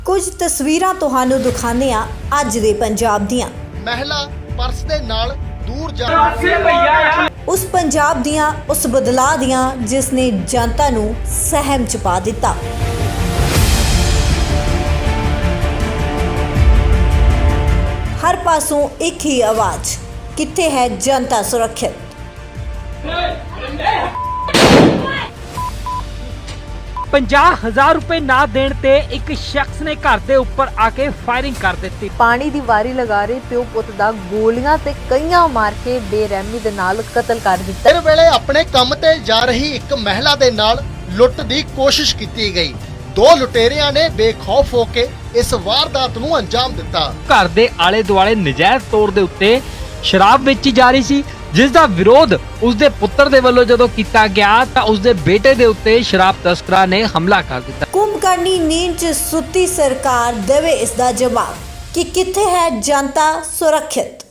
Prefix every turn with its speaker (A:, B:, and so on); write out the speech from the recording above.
A: ਕੁਝ ਤਸਵੀਰਾਂ ਤੁਹਾਨੂੰ ਦਿਖਾਉਂਦੇ ਹਾਂ ਅੱਜ ਦੇ ਪੰਜਾਬ ਦੀਆਂ।
B: ਮਹਿਲਾ ਪਰਸ ਦੇ ਨਾਲ ਦੂਰ ਜਾ
A: ਉਸ ਪੰਜਾਬ ਦੀਆਂ ਉਸ ਬਦਲਾਅ ਦੀਆਂ ਜਿਸ ਨੇ ਜਨਤਾ ਨੂੰ ਸਹਿਮ ਚ ਪਾ ਦਿੱਤਾ। ਹਰ ਪਾਸੋਂ ਇੱਕ ਹੀ ਆਵਾਜ਼, ਕਿੱਥੇ ਹੈ ਜਨਤਾ ਸੁਰੱਖਿਅਤ।
C: ₹50,000 ਨਾ ਦੇਣ ਤੇ ਇੱਕ ਸ਼ਖਸ ਨੇ ਘਰ ਦੇ ਉੱਪਰ ਆ ਕੇ ਫਾਇਰਿੰਗ ਕਰ ਦਿੱਤੀ।
D: ਪਾਣੀ ਦੀ ਵਾਰੀ ਲਗਾ ਰਹੇ ਪਿਓ ਪੁੱਤ ਦਾ ਗੋਲੀਆਂ ਤੇ ਕਈਆਂ ਮਾਰ ਕੇ ਬੇਰਹਿਮੀ ਦੇ ਨਾਲ ਕਤਲ ਕਰ ਦਿੱਤਾ।
B: ਇਸ ਵੇਲੇ ਆਪਣੇ ਕੰਮ ਤੇ ਜਾ ਰਹੀ ਇੱਕ ਮਹਿਲਾ ਦੇ ਨਾਲ ਲੁੱਟ ਦੀ ਕੋਸ਼ਿਸ਼ ਕੀਤੀ ਗਈ। ਦੋ ਲੁਟੇਰਿਆਂ ਨੇ ਬੇਖੌਫ ਹੋ ਕੇ ਇਸ ਵਾਰਦਾਤ ਨੂੰ ਅੰਜਾਮ ਦਿੱਤਾ।
C: ਘਰ ਦੇ ਆਲੇ ਦੁਆਲੇ ਨਜਾਇਜ਼ ਤੌਰ ਦੇ ਉੱਤੇ ਸ਼ਰਾਬ ਵੇਚੀ ਜਾ ਰਹੀ ਸੀ, ਜਿਸ ਦਾ ਵਿਰੋਧ ਉਸਦੇ ਪੁੱਤਰ ਦੇ ਵੱਲੋਂ ਜਦੋਂ ਕੀਤਾ ਗਿਆ ਤਾਂ ਉਸਦੇ ਬੇਟੇ ਦੇ ਉੱਤੇ ਸ਼ਰਾਬ ਤਸਕਰਾਂ ਨੇ ਹਮਲਾ ਕਰ ਦਿੱਤਾ।
A: ਕੁੰਭਕਰਨੀ ਨੀਂਦ 'ਚ ਸੁੱਤੀ ਸਰਕਾਰ ਦੇਵੇ ਇਸ ਦਾ ਜਵਾਬ ਕਿ ਕਿੱਥੇ ਹੈ ਜਨਤਾ ਸੁਰੱਖਿਅਤ।